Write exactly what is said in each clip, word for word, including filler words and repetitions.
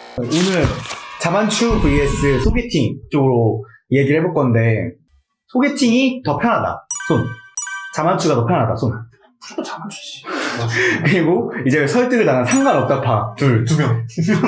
오늘 자만추 vs 소개팅 쪽으로 얘기를 해볼 건데, 소개팅이 더 편하다, 손. 자만추가 더 편하다, 손. 무조건 자만추지. 그리고 이제 설득을 당한 상관없다 파 둘, 두 명.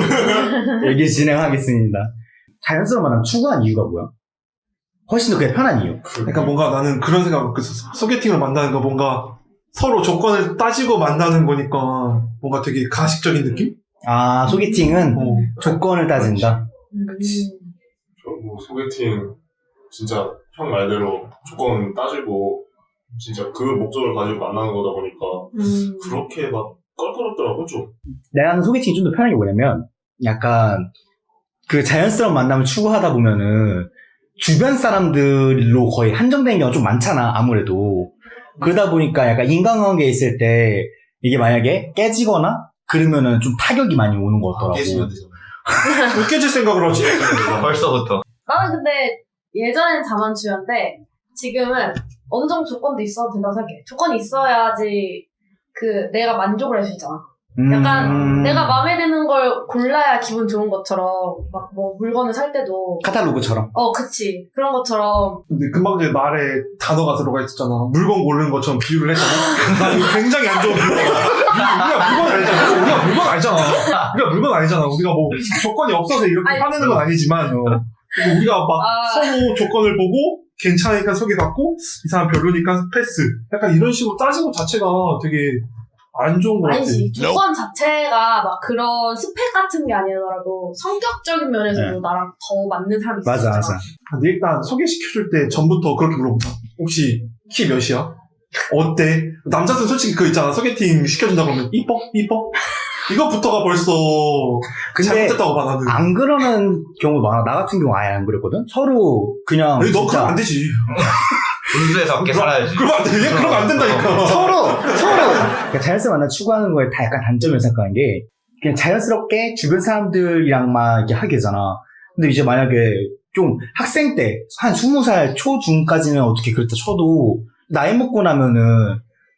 얘기 진행하겠습니다. 자연스러운 만남 추구한 이유가 뭐야? 훨씬 더 그게 편한 이유. 그러니까 뭔가 나는 그런 생각을 했었어. 소개팅을 만나는 거 뭔가 서로 조건을 따지고 만나는 거니까 뭔가 되게 가식적인 느낌? 아, 소개팅은 어. 조건을 따진다. 그치. 뭐 소개팅 진짜 형 말대로 조건 따지고 진짜 그 목적을 가지고 만나는 거다 보니까 음. 그렇게 막 껄끄럽더라고 좀. 내가 하는 소개팅이 좀 더 편한 게 뭐냐면, 약간 그 자연스러운 만남을 추구하다 보면은 주변 사람들로 거의 한정된 경우가 좀 많잖아, 아무래도. 그러다 보니까 약간 인간관계에 있을 때 이게 만약에 깨지거나 그러면은 좀 타격이 많이 오는 것 같더라고. 깨지면 되잖아. 왜 깨질 생각을 하지? 벌써부터. 나는 근데 예전엔 자만추였는데 지금은 어느 정도 조건도 있어도 된다고 생각해. 조건이 있어야지 그 내가 만족을 할 수 있잖아. 약간 음... 내가 마음에 드는 걸 골라야 기분 좋은 것처럼 막 뭐 물건을 살 때도 카탈로그처럼. 어 그치 그런 것처럼. 근데 금방 전에 말에 단어가 들어가 있었잖아. 물건 고르는 것처럼 비유를 했잖아. 나 이거 굉장히 안 좋은 비유야. 우리가 물건 알잖아. 우리가 물건 알잖아. 우리가 물건 알잖아. 우리가 뭐 조건이 없어서 이렇게 아니, 화내는 건 아니지만 어. 그리고 우리가 막 아. 서로 조건을 보고 괜찮으니까 소개받고 이 사람 별로니까 패스. 약간 이런 식으로 따지는 것 자체가 되게 안 좋은 것 같아. 아니지 조건 자체가 막 그런 스펙 같은 게 아니더라도 성격적인 면에서도 네. 나랑 더 맞는 사람이 있어. 맞아, 맞아. 근데 일단 소개시켜줄 때 전부터 그렇게 물어본다. 혹시 키 몇이야? 어때? 남자들은 솔직히 그거 있잖아. 소개팅 시켜준다 그러면 이뻐? 이뻐? 이것부터가 벌써 근데 잘못됐다고 봐 나는. 안 그러는 경우도 많아. 나 같은 경우 아예 안 그랬거든? 서로 그냥. 아니, 너 진짜 그러면 안 되지. 분수에서 함께 살아야지. 그러면 안 돼. 얘 그러면 안 된다니까. 서로, 서로. 그러니까 자연스러운 만남 추구하는 거에 다 약간 단점을 생각하는 게, 그냥 자연스럽게 주변 사람들이랑만 이렇게 하게 되잖아. 근데 이제 만약에 좀 학생 때, 한 스무 살 초중까지는 어떻게 그랬다 쳐도, 나이 먹고 나면은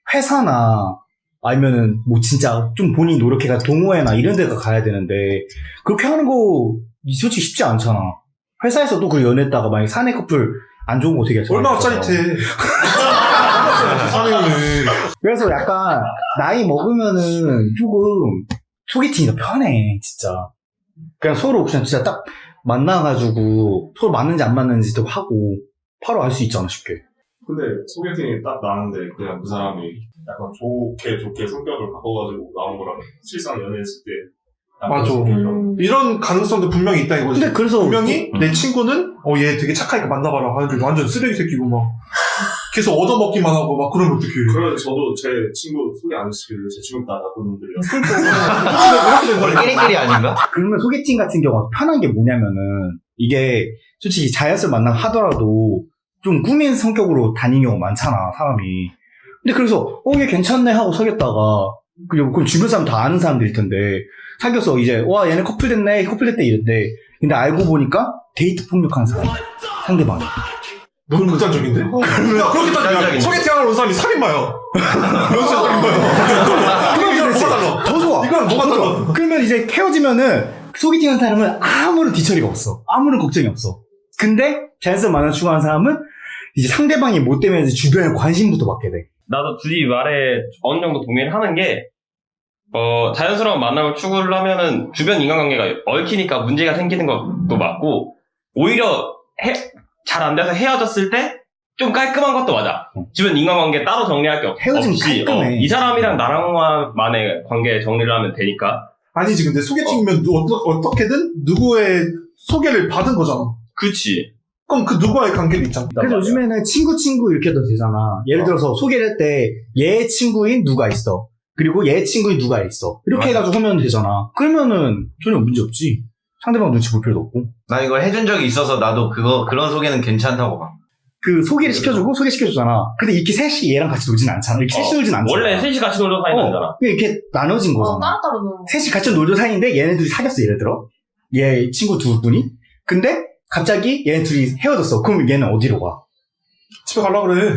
회사나 아니면은 뭐 진짜 좀 본인이 노력해가 동호회나 이런 데가 가야 되는데, 그렇게 하는 거 솔직히 쉽지 않잖아. 회사에서도 그 연애했다가 만약에 사내 커플 안 좋은 거 되게 얼마나 좋아하잖아. 짜릿해. 사내연애. 그래서 약간 나이 먹으면은 조금 소개팅이 더 편해, 진짜. 그냥 서로 그냥 진짜 딱 만나가지고 서로 맞는지 안 맞는지도 하고 바로 알 수 있잖아, 쉽게. 근데 소개팅이 딱 나왔는데 그냥 그 사람이 약간 좋게 좋게 성격을 바꿔가지고 나온 거랑 실상 연애했을 때 약간 맞아. 성격이 음. 이런 가능성도 분명히 있다 이거지. 근데 그래서 분명히 음. 내 친구는 어 얘 되게 착하니까 만나봐라 하는데 완전 쓰레기 새끼고 막 계속 얻어먹기만 하고 막 그러면 어떡해. 그러면 저도 제 친구 소개 안 시키고 제 친구 다 나쁜 놈들이라서 원래 끼리끼리 아닌가? 그러면 소개팅 같은 경우가 편한 게 뭐냐면은 이게 솔직히 자연스러운 만남 하더라도 좀 꾸민 성격으로 다니는 경우가 많잖아, 사람이. 근데 그래서 어 얘 괜찮네 하고 사귀었다가 그리고 그럼 주변 사람 다 아는 사람들일 텐데 사귀어서 이제 와 얘네 커플 됐네 커플 됐대 이랬대. 근데 알고 보니까 데이트 폭력하는 사람 상대방이. 너무 극단적인데? 야 그렇게 따지면 극단적인데. 소개팅하러 온 사람이 살인마야. 연쇄 살인마야. 그럼 이건 뭐가 달라? 더 좋아. 이건 뭐가 더 달라? 좋아. 그러면 이제 헤어지면은 소개팅한 사람은 아무런 뒤처리가 없어. 아무런 걱정이 없어. 근데 자연스러운 만남 추구하는 사람은 이제 상대방이 못 되면 이제 주변에 관심부터 받게 돼. 나도 둘이 말에 어느 정도 동의를 하는 게, 어, 자연스러운 만남을 추구를 하면은 주변 인간관계가 얽히니까 문제가 생기는 것도 맞고, 오히려 잘 안 돼서 헤어졌을 때 좀 깔끔한 것도 맞아. 주변 인간관계 따로 정리할 게 없, 헤어지면 없이, 깔끔해. 어, 이 사람이랑 나랑만의 관계 정리를 하면 되니까. 아니지 근데 소개팅이면 누- 어떠, 어떻게든 누구의 소개를 받은 거잖아. 그치. 그럼 그 누구와의 관계도 있잖아. 그래서 요즘에는 친구 친구 이렇게 해도 되잖아. 예를 들어서 소개를 할 때 얘 친구인 누가 있어. 그리고 얘 친구인 누가 있어. 이렇게 맞아. 해가지고 하면 되잖아. 그러면은 전혀 문제 없지. 상대방 눈치 볼 필요도 없고. 나 이걸 해준 적이 있어서 나도 그거 그런 소개는 괜찮다고 봐. 그 소개를 시켜주고 소개시켜주잖아. 근데 이렇게 셋이 얘랑 같이 놀진 않잖아. 이렇게 셋이 어, 놀진 않잖아. 원래 셋이 같이 놀러 사이는 어, 거잖아. 그게 이렇게 나눠진 어 거잖아. 따로따로 노는 거. 셋이 같이 놀던 사이인데 얘네 둘이 사귀었어, 예를 들어. 얘 친구 두 분이. 근데 갑자기 얘네 둘이 헤어졌어. 그럼 얘는 어디로 가? 집에 가려 그래. 그래,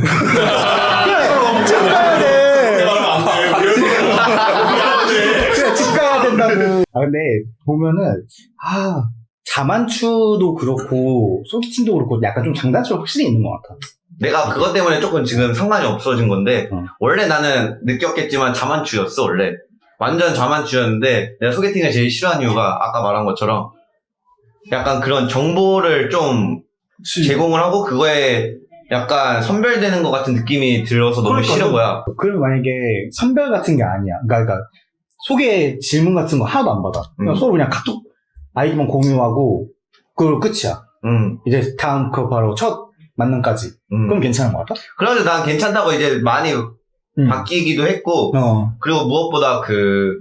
집 가야 돼. 말하면 안 돼. 그래, 집 가야 된다. 아, 근데 보면은, 아, 자만추도 그렇고, 소개팅도 그렇고, 약간 좀 장단점이 확실히 있는 것 같아. 내가 그것 때문에 조금 지금 상관이 없어진 건데 어. 원래 나는 느꼈겠지만 자만추였어 원래 완전 자만추였는데 내가 소개팅을 제일 싫어하는 이유가 아까 말한 것처럼 약간 그런 정보를 좀 제공을 하고 그거에 약간 선별되는 것 같은 느낌이 들어서 너무 그러니까요. 싫은 거야. 그러면 만약에 선별 같은 게 아니야. 그러니까, 그러니까 소개 질문 같은 거 하나도 안 받아. 그냥 음. 서로 그냥 카톡 아이디만 공유하고, 그걸 끝이야. 음, 이제 다음 그 바로 첫 만남까지. 음. 그럼 괜찮은 것 같아? 그래서 난 괜찮다고 이제 많이 음. 바뀌기도 했고 어. 그리고 무엇보다 그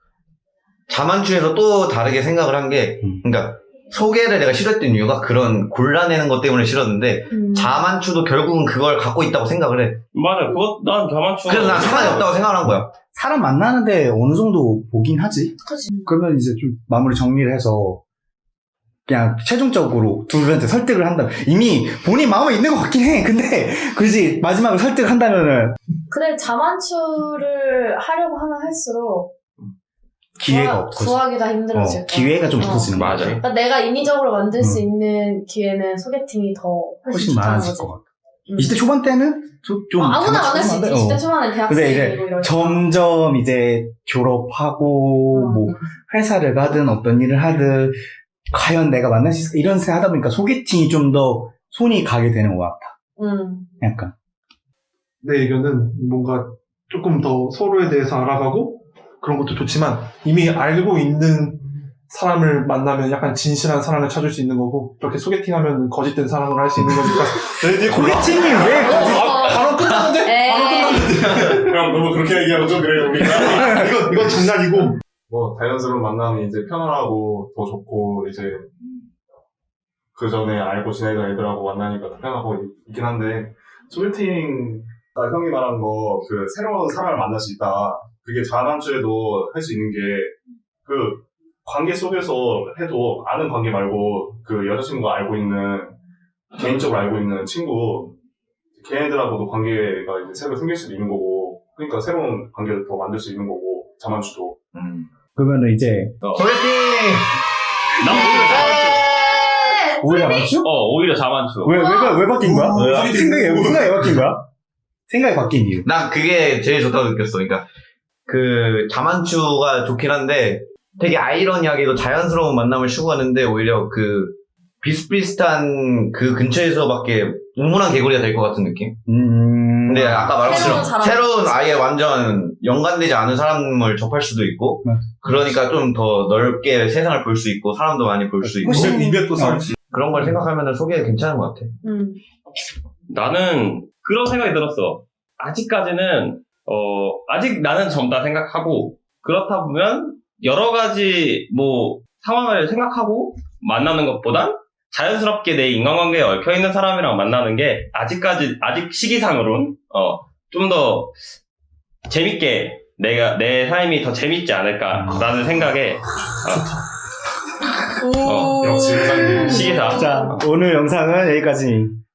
자만추에서 또 다르게 생각을 한 게 음. 그러니까 소개를 내가 싫어했던 이유가 그런 골라내는 것 때문에 싫었는데 음. 자만추도 결국은 그걸 갖고 있다고 생각을 해. 맞아. 그것 난 자만추. 그래서 난 상관이 없다고 생각을 한 거야. 사람 만나는데 어느 정도 보긴 하지. 그치. 그러면 이제 좀 마무리 정리를 해서 그냥 최종적으로 둘한테 설득을 한다면 이미 본인 마음에 있는 것 같긴 해. 근데 굳이 마지막으로 설득을 한다면은 근데 자만추를 하려고 하면 할수록 기회가 구하- 없어. 구하기가 힘들어질 어, 거야. 기회가 좀 어. 없어지는 거지. 맞아. 그러니까 내가 인위적으로 만들 수 음. 있는 기회는 소개팅이 더 훨씬, 훨씬 좋다는 많아질 거지. 것 같아. 음. 이십 대 초반 때는 좀, 좀 어, 아무나 장난치고 만날 수 있지. 하는데, 이십 대 어. 초반에 근데 이제 대학생이고 이럴 때. 점점 이제 졸업하고 어. 뭐 회사를 가든 어떤 일을 하든 과연 내가 만날 수 있을까 이런 생각 하다 보니까 소개팅이 좀 더 손이 가게 되는 것 같아. 음. 약간. 내 의견은 뭔가 조금 더 서로에 대해서 알아가고 그런 것도 좋지만 이미 알고 있는 사람을 만나면 약간 진실한 사랑을 찾을 수 있는 거고 그렇게 소개팅하면 거짓된 사랑을 할 수 있는 거니까 네, 네 골라. 소개팅이 왜 거짓? 아, 바로 끝났는데? 바로 에이. 끝났는데? 형 너무 그렇게 얘기하면 좀 그래요 우리가. 이건, 이건 장난이고 뭐 자연스러운 만남이 이제 편안하고 더 좋고 이제 그 전에 알고 지내던 애들하고 만나니까 더 편하고 있긴 한데 소개팅 아, 형이 말한 거 그 새로운 사람을 만날 수 있다. 그게 자만추에도 할 수 있는 게 그 관계 속에서 해도 아는 관계 말고 그 여자친구가 알고 있는 개인적으로 알고 있는 친구 걔네들하고도 관계가 이제 새로 생길 수도 있는 거고 그러니까 새로운 관계를 더 만들 수 있는 거고 자만추도. 음. 그러면은 이제 소개팅! 난 오히려 자만추. 오히려 맞죠? 어, 오히려 자만추. 왜, 왜, 왜 바뀐 거야? 왜? 생각이, 생각이 왜 바뀐 거야? 생각이 바뀐 이유. 난 그게 제일 좋다고 느꼈어. 그러니까 그 자만추가 좋긴 한데 되게 아이러니하게도 자연스러운 만남을 추구하는데 오히려 그 비슷비슷한 그 근처에서밖에 우물한 개구리가 될 것 같은 느낌? 음. 근데 아까 말한 새로운 것처럼 사람. 새로운 아예 완전 연관되지 않은 사람을 접할 수도 있고 맞아. 그러니까 좀 더 넓게 세상을 볼 수 있고 사람도 많이 볼 수 있고 훨씬- 입에 또 썰지. 그런 걸 생각하면 소개 괜찮은 것 같아. 음. 나는 그런 생각이 들었어. 아직까지는 어 아직 나는 젊다 생각하고 그렇다 보면 여러 가지 뭐 상황을 생각하고 만나는 것보단 자연스럽게 내 인간관계에 얽혀 있는 사람이랑 만나는 게 아직까지 아직 시기상으론 어 좀 더 재밌게 내가 내 삶이 더 재밌지 않을까라는 생각에 어, 오. 역시 의상님. 시기상 자, 오늘 영상은 여기까지.